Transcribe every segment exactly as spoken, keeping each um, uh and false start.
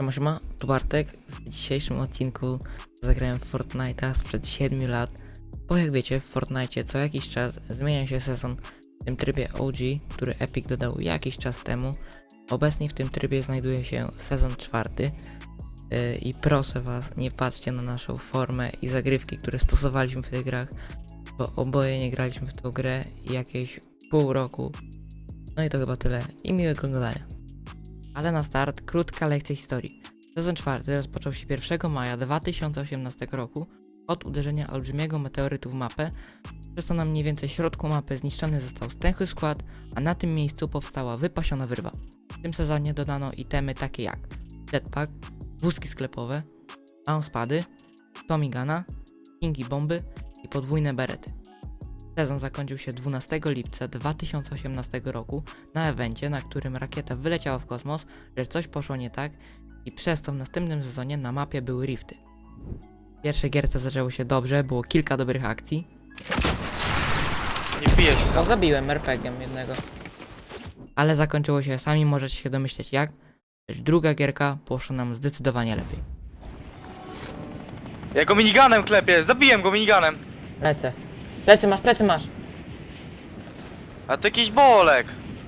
Siema, siema, tu Bartek. W dzisiejszym odcinku zagrałem w Fortnite'a sprzed siedmiu lat. Bo jak wiecie, w Fortnite'cie co jakiś czas zmienia się sezon w tym trybie O G, który Epic dodał jakiś czas temu. Obecnie w tym trybie znajduje się sezon czwarty. Yy, I proszę was, nie patrzcie na naszą formę i zagrywki, które stosowaliśmy w tych grach, bo oboje nie graliśmy w tą grę jakieś pół roku. No i to chyba tyle i miłego oglądania. Ale na start krótka lekcja historii. Sezon czwarty rozpoczął się pierwszego maja dwa tysiące osiemnastego roku od uderzenia olbrzymiego meteorytu w mapę, przez co na mniej więcej środku mapy zniszczony został stęchły skład, a na tym miejscu powstała wypasiona wyrwa. W tym sezonie dodano itemy takie jak jetpack, wózki sklepowe, spady, tomigana, kingi bomby i podwójne berety. Sezon zakończył się dwunastego lipca dwa tysiące osiemnastego roku na evencie, na którym rakieta wyleciała w kosmos, lecz coś poszło nie tak i przez to w następnym sezonie na mapie były rifty. W pierwszej gierce zaczęło się dobrze, było kilka dobrych akcji. Nie pijesz O, zabiłem er pe giem jednego. Ale zakończyło się, sami możecie się domyśleć jak, lecz druga gierka poszła nam zdecydowanie lepiej. Ja go miniganem klepię, zabiłem go miniganem. Lecę. Plecy masz, plecy masz! A to jakiś bolek.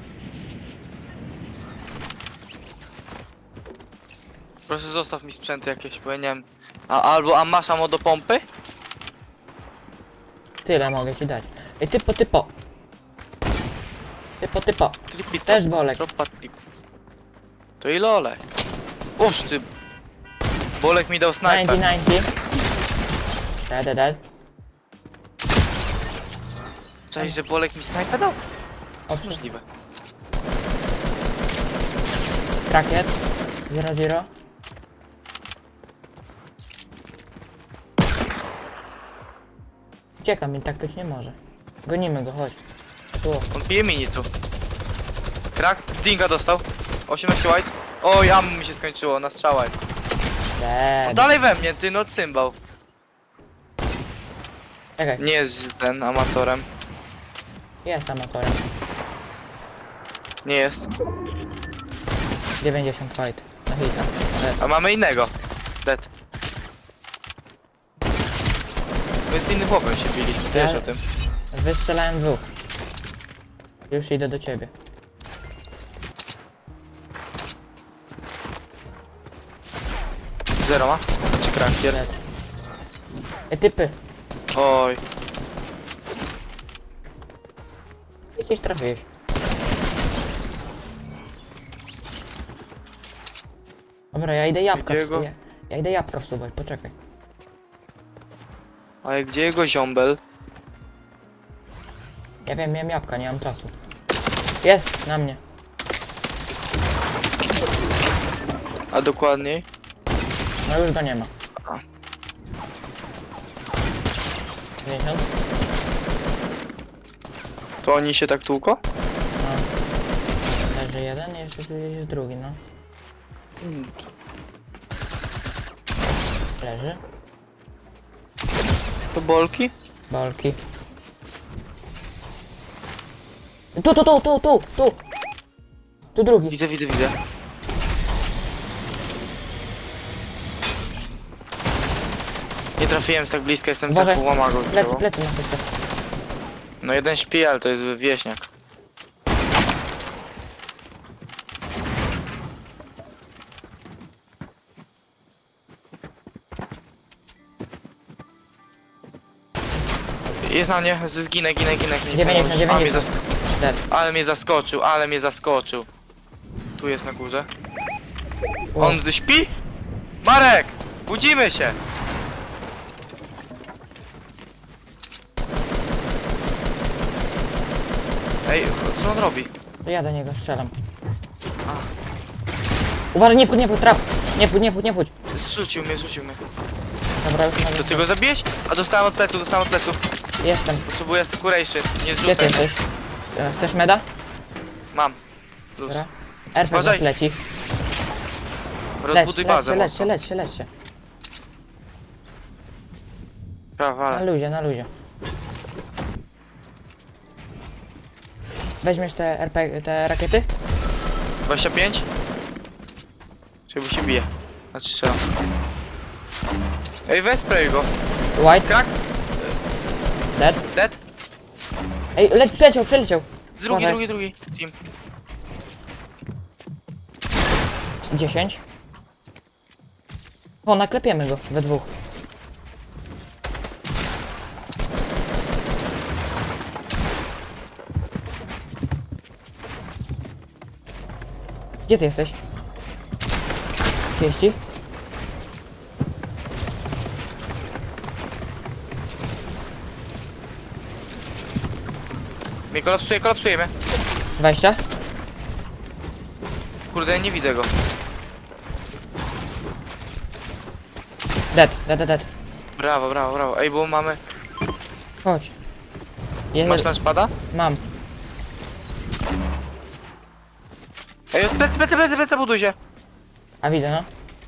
Proszę zostaw mi sprzęt jakieś, bo ja nie wiem. A, albo a masz ammo do pompy? Tyle mogę ci dać. Ej, typo, typo! Typo, typo! Tripi, Też bolek. tropa trip. To i lolek. Uż ty. Bolek mi dał snajper. dziewięćdziesiąt, dziewięćdziesiąt. Dead, dead, dead. Cześć, że bolek mi snajper dał? To jest Owszem. możliwe. Rakiet. zero zero. Ucieka mi, tak być nie może. Gonimy go, chodź. Tu. On pije mini tu. Krak, dinga dostał. osiemnaście white. Oj, ammo mi się skończyło, na strzała jest. On Dead. dalej we mnie, ty no cymbał. Czekaj, Nie jest ten amatorem. jest amatorem. Nie jest. dziewięćdziesiąt fight. Na hita. Dead. A mamy innego. Dead. My z innym chłopem się biliśmy, wiesz Ja- o tym. Wystrzelałem dwóch. Już idę do ciebie. Zero ma? Czy krankier? Dead. Ej, typy. Oj. Gdzieś trafiłeś. Dobra, ja idę jabłka Gdzie go? wsuwać. Ja idę jabłka wsuwać, poczekaj. Ale gdzie jego ziombel? Ja wiem, miałem jabłka, nie mam czasu. Jest, na mnie. A dokładniej? No już go nie ma. A. dziewięćdziesiąt? To oni się tak tłuko? No. Leży jeden i jeszcze tu jest drugi, no. Hmm. Leży. To bolki? Bolki. Tu, tu, tu, tu, tu, tu! Tu drugi. Widzę, widzę, widzę. Nie trafiłem z tak bliska, jestem Uważaj. tak łamago. Plecy, plecy na tylko. No jeden śpi, ale to jest wieśniak. Jest na mnie, z- zginę, ginę, ginę, ginę. dziewięćdziesiąt, Ale mnie, dziewięćdziesiąt. zask Dead. ale mnie zaskoczył, ale mnie zaskoczył. Tu jest na górze. O. On śpi? Marek! Budzimy się! Ej, co on robi? Ja do niego strzelam. Uważaj, nie wchódź, nie wchódź, trap! Nie wchódź, nie wchódź, nie wchódź. Zrzucił mnie, zrzucił mnie. Dobra, już To mogę. ty go zabiłeś? A dostałem od plecu, dostałem od plecu. Jestem. Potrzebuję securation, nie Gdzie ty zrzucaj. jesteś? E, Chcesz meda? Mam. Plus. Dobra. er pe gie Uważaj. leci. Leć, Rozbuduj leć bazę. się, leć się, leć się, leć się. Prawa, Na ale. luzie, na luzie. Weźmiesz te er pe gie, te rakiety? dwadzieścia pięć? Czy się bije? Znaczy strzelam. Ej, weź spray go. White, Krak? dead. Dead? Ej, leć, przeleciał, przeleciał. Drugi, Uważaj. drugi, drugi. Team. dziesięć. O, naklepiemy go we dwóch. Gdzie ty jesteś? trzydzieści? Mnie kolapsuje, kolapsuje mnie. dwadzieścia? Kurde, nie widzę go. Dead, dead, dead, dead. Brawo, brawo, brawo. Ej, bo mamy... Chodź. Je, Masz launchpada? Mam. Ej, plecy, plecy, plecy, plecy, buduj się. A widzę, no.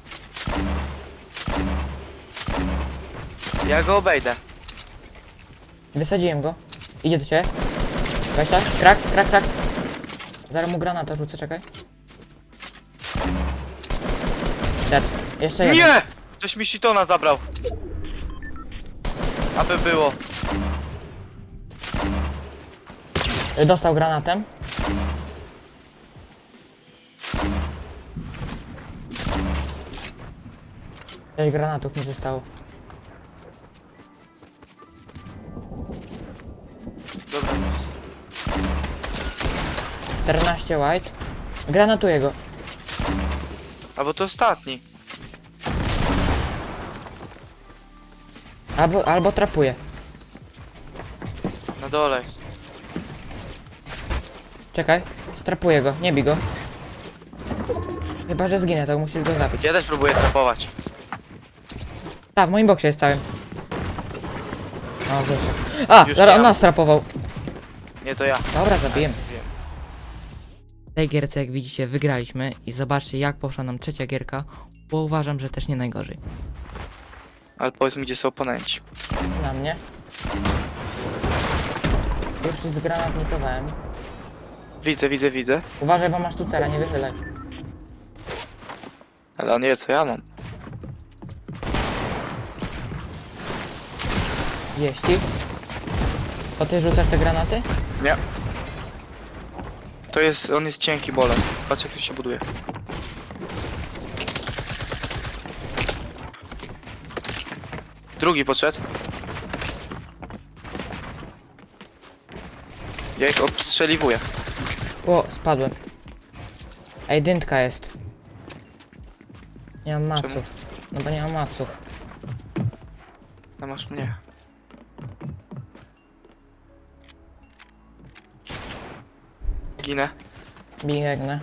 Ja go obejdę. Wysadziłem go. Idzie do ciebie. dwadzieścia? Krak, krak, krak. Zaraz mu granata rzucę, czekaj. Dead. Jeszcze jeden. Nie! Żeś mi shitona zabrał. Aby było. Dostał granatem. Sześć granatów mi zostało. Dobra. czternaście white. Granatuję go. Albo to ostatni. Albo, albo trapuję. Na dole jest. Czekaj. Strapuję go. Nie bij go. Chyba, że zginę, to musisz go zabić. Ja też próbuję trapować. Tak, w moim boksie jest całym. O, wyszedł. A, Już zaraz nie on mam. nas trapował. Nie, to ja. Dobra, zabiję. Wiem. W tej gierce, jak widzicie, wygraliśmy i zobaczcie, jak poszła nam trzecia gierka, bo uważam, że też nie najgorzej. Ale powiedz mi, gdzie są oponenci. Na mnie. Już zgranatnikowałem. Widzę, widzę, widzę. Uważaj, bo masz tu cela, nie wychylaj. Ale on nie wie, co ja mam. Jeści. To ty rzucasz te granaty? Nie. To jest, on jest cienki bolem. Patrz, jak to się buduje. Drugi podszedł. Ja ich obstrzeliwuję. O, spadłem. Ej, dyntka jest. Nie mam mapsów. Czemu? No bo nie mam mapsów. A masz mnie. Ginę. Biegnę.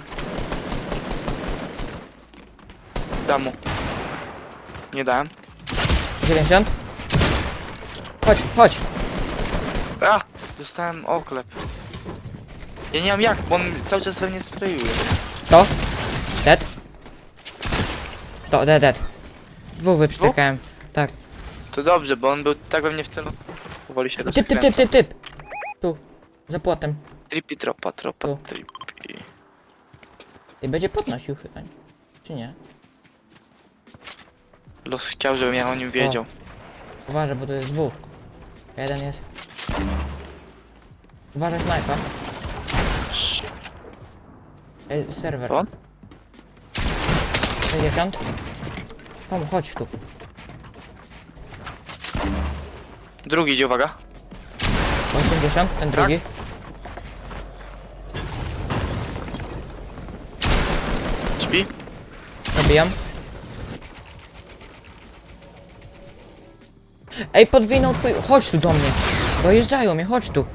Dam mu. Nie dałem. dziewięćdziesiąt? Chodź, chodź. A! Dostałem oklep. Ja nie mam jak, bo on cały czas we mnie sprayuje. sto. Dead. To, dead, dead. Dwóch wyprztykałem. Tak. To dobrze, bo on był tak we mnie w celu. Powoli się Typ, typ, typ, typ, typ. Tu. Za płotem. Tripi, tropa, tropa, Tu. tripi. I będzie podnosił chyba. Czy nie? Los chciał, żebym ja o nim wiedział. Uważaj, bo tu jest dwóch. Jeden jest. Uważaj, snajpa. Ej, serwer. On? sześćdziesiąt. Kom, chodź tu. Drugi idzie, uwaga. osiemdziesiąt, ten drugi. Śpi? Zabijam. Ej, podwinął twój... Chodź tu do mnie. Dojeżdżają mnie, chodź tu.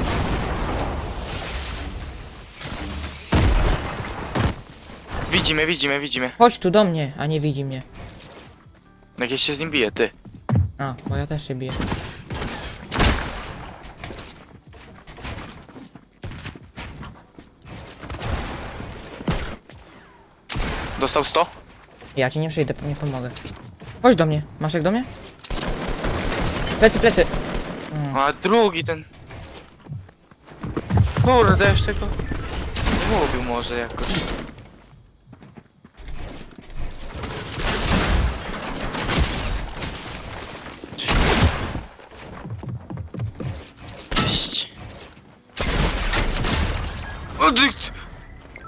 Widzimy, widzimy, widzimy. Chodź tu do mnie, a nie widzi mnie. Jak ja się z nim bije, ty. A, bo ja też się biję. Dostał sto? Ja ci nie przyjdę, nie pomogę. Chodź do mnie. Masz jak do mnie? Plecy, plecy. Mm. A drugi ten... Kurde, jeszcze go... Nie mówił może jakoś.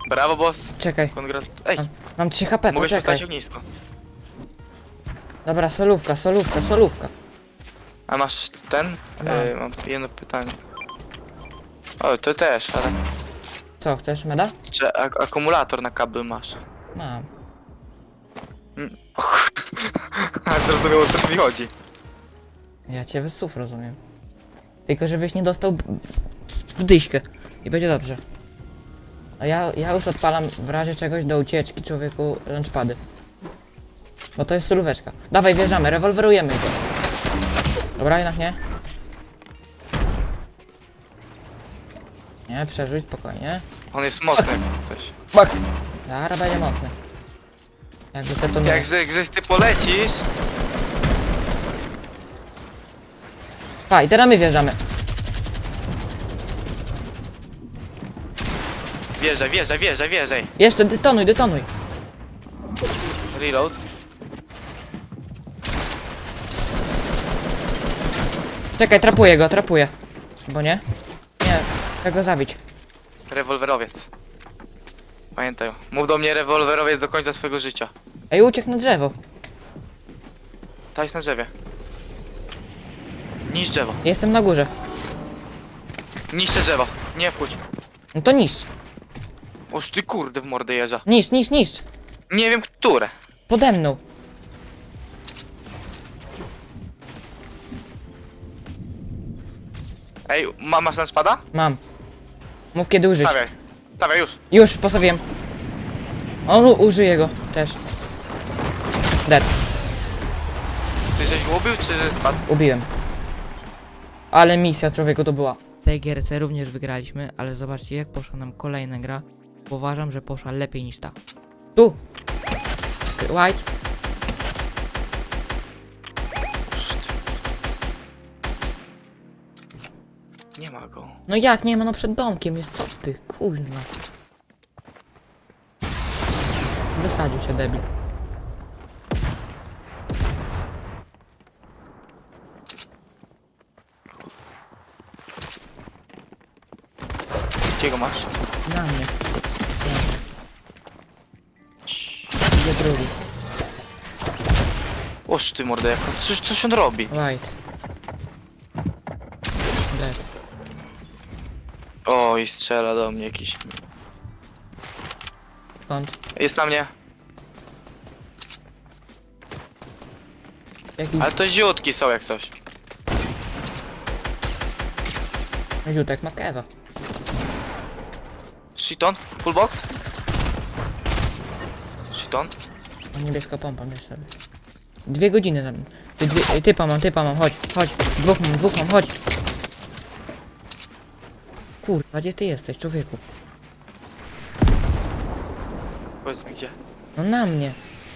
Brawo, boss. Czekaj, Kongrat... Ej, mam, mam trzy H P, mogę się poczekaj. stać ognisko. Dobra, solówka, solówka, solówka. A masz ten? Mam. Ej, mam jedno pytanie. O, to też, ale... Co, chcesz meda? Czy ak akumulator na kabel masz? Mam. Mm. O kur- A zrozumiało, o co mi chodzi. Ja cię bez słów rozumiem. Tylko żebyś nie dostał b- w dyśkę. I będzie dobrze. A ja, ja już odpalam w razie czegoś do ucieczki człowieku launchpady. Bo to jest solóweczka. Dawaj, wjeżdżamy, rewolwerujemy go. Dobra, jednak nie. Nie, przerzuć, spokojnie. On jest mocny jak coś. Bak! Zara będzie mocny. Jakby te to nie... Jak że, żeś ty polecisz... Pa, i teraz my wjeżdżamy. Wjeżdżaj, wjeżdżaj, wjeżdżaj, wjeżdżaj. Jeszcze, detonuj, detonuj. Reload. Czekaj, trapuję go, trapuję. Bo nie? Nie, chcę go zabić. Rewolwerowiec. Pamiętaj. Mów do mnie rewolwerowiec do końca swojego życia. Ej, uciekł na drzewo. Ta jest na drzewie. Niszcz drzewo. Jestem na górze. Niszczę drzewo. Nie wchódź. No to niszcz. Oż ty kurde w mordę jeża. Niszcz, niszcz, niszcz. Nie wiem które. Pode mną. Ej, ma, masz spada? Mam. Mów kiedy użyć. Stawiaj. Stawiaj już. Już, postawiłem. On u- użyje go też. Dead. Ty żeś go ubił, czy że spadł? Ubiłem. Ale misja człowieku to była. W tej gierce również wygraliśmy, ale zobaczcie jak poszła nam kolejna gra. Bo uważam, że poszła lepiej niż ta. Tu! White. Oszt. Nie ma go. No jak nie ma, no przed domkiem jest, co ty, kurwa. Wysadził się debil. Gdzie go masz? Na mnie. Idzie drugi. Oż ty mordę, jak on, coś, coś on robi. White. Dead. O, i strzela do mnie jakiś. Skąd? Jest na mnie. Jakiś Ale to ziutki są jak coś. ziutek ma kewa. Shiton? Full box? Shiton? Mam niebieska pompa, bierz sobie. Dwie godziny tam. Ty, dwie, ej, typa mam, typa mam, chodź, chodź. Dwóch mam, dwóch mam, chodź. Kurwa, gdzie ty jesteś, człowieku? Powiedz mi gdzie. No na mnie.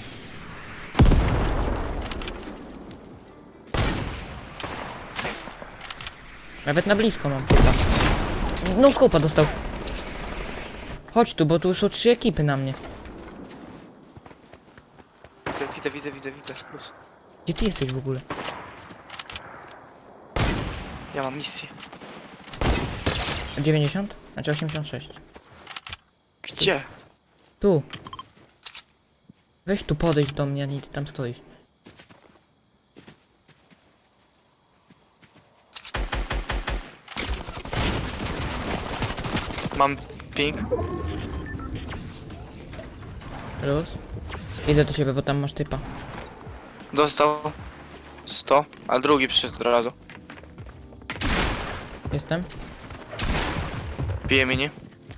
Nawet na blisko mam typa. No skupa dostał. Chodź tu, bo tu są trzy ekipy na mnie. Widzę, widzę, widzę, widzę, widzę. Już. Gdzie ty jesteś w ogóle? Ja mam misję. dziewięćdziesiąt? Znaczy osiemdziesiąt sześć. Gdzie? Tu. Weź tu podejść do mnie, a nie ty tam stoisz. Mam ping. Luz. Idę do ciebie, bo tam masz typa. Dostał sto, a drugi przyszedł od razu. Jestem? Bije mini.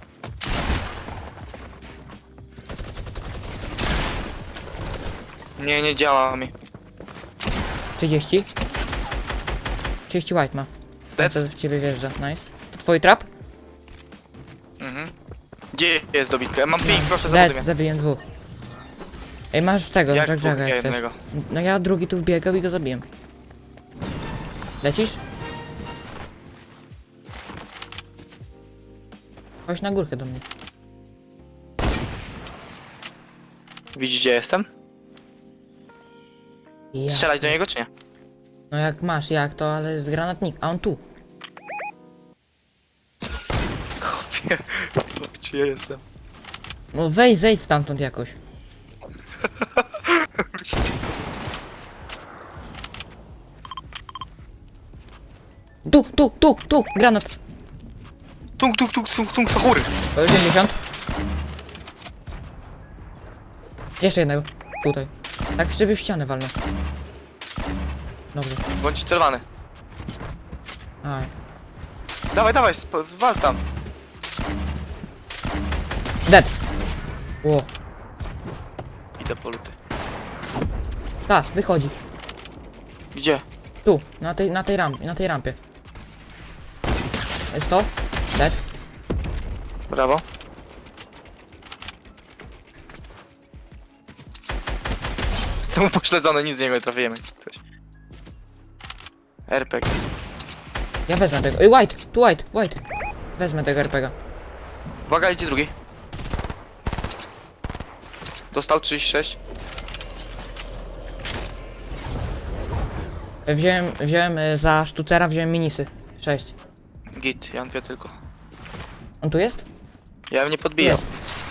Nie, nie działa mi. trzydzieści? trzydzieści white ma. Dead? To w ciebie wjeżdża, nice. To twój trap? Mhm. Gdzie jest dobitkę? Ja mam ping, proszę Dead, zabuduj mnie. zabiłem dwóch. Ej, masz tego, Jak Jack dwóch, Jacka ja jak chcesz. jednego. No ja drugi tu wbiegał i go zabiłem. Lecisz? Chodź na górkę do mnie. Widzisz gdzie jestem? Ja. Strzelać do niego czy nie? No jak masz, jak to, ale jest granatnik, a on tu. Chłopie, zobacz, czy ja jestem. No weź, zejdź stamtąd jakoś. Tu, tu, tu, tu, granat. Tung, tung, tung, tung, tung, sachury. osiemdziesiąt. Jeszcze jednego. Tutaj. Tak w szybie w ścianę walnę. Dobrze. Bądź celowany. Aj. Dawaj, dawaj, sp- wal tam. Dead. Ło. Idę po luty. Ta, wychodzi. Gdzie? Tu, na tej, na tej rampie, na tej rampie. Jest to? Dead. Brawo. Jestem upośledzony, nic z niego nie trafiłem. Coś. R P G. Ja wezmę tego. Ej, white, tu white, white. Wezmę tego er pe ga. Uwaga, idzie drugi. Dostał trzydzieści sześć. Wziąłem, wziąłem y, za sztucera, wziąłem minisy. sześć. Git, ja mam dwie tylko. On tu jest? Ja bym nie podbijał. Jest.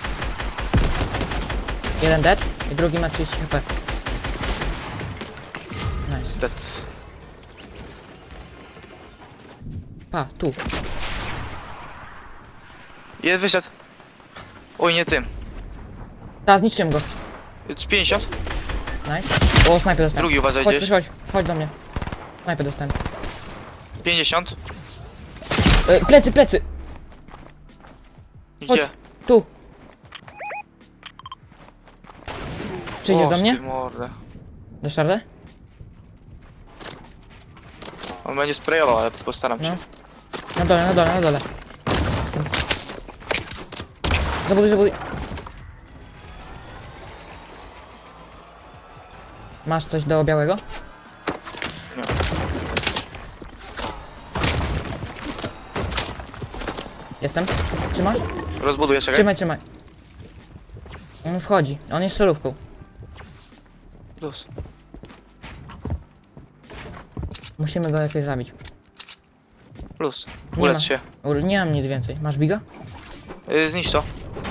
Jeden dead i drugi ma trzydzieści HP. Nice. Dead. Pa, tu. Jest, wyszedł. Oj, nie tym. Ta, zniszczyłem go. pięćdziesiąt. Nice. O, snajper dostałem. Drugi uważaj Chodź, gdzieś. chodź, chodź, chodź do mnie. Snajper dostałem. pięćdziesiąt. E, plecy, plecy! Chodź. Gdzie? Tu. Przyjdziesz O, do mnie? ty mordę. Do szarle? On będzie sprayował, ale postaram się. No. Na dole, na dole, na dole. Zabuduj, zabuduj. Masz coś do białego? Nie. Jestem. Trzymasz? Rozbuduję, czekaj. Trzymaj, trzymaj. On wchodzi. On jest solówką. Plus. Musimy go jakoś zabić. Plus. Nie Ulecz ma. się. Ul- Nie mam nic więcej. Masz biga? Yy, zniszcz to.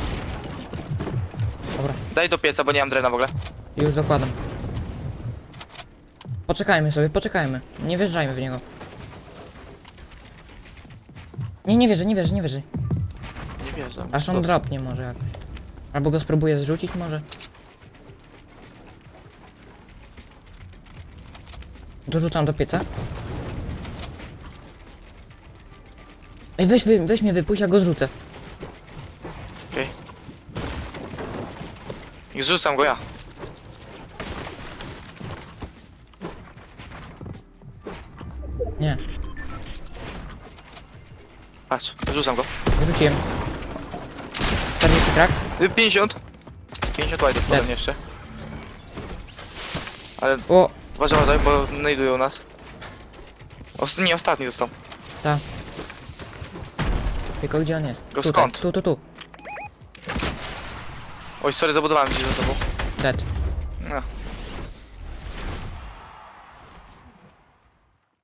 Dobra. Daj do pieca, bo nie mam drena w ogóle. Już dokładam. Poczekajmy sobie, poczekajmy. Nie wjeżdżajmy w niego. Nie, nie wierzę, nie wierzę, nie wierzę. Nie wierzę. Aż on dropnie może jakoś. Albo go spróbuję zrzucić może. Dorzucam do pieca. Ej, weź, wy, weź mnie wypuść, ja go zrzucę. Okej. I zrzucam go ja. Nie, Patrz, rzucam go. zrzuciłem. czterdzieści krak. Yy, pięćdziesiąt. pięćdziesiąt łajdy Tak. spadłem jeszcze. Ale O, uważaj, uważaj, bo znajdują nas. Ost nie, ostatni został. ta. Tylko gdzie on jest? Go Tutaj, skąd? tu, tu, tu. Oj, sorry, zabudowałem gdzieś za tobą. Dead.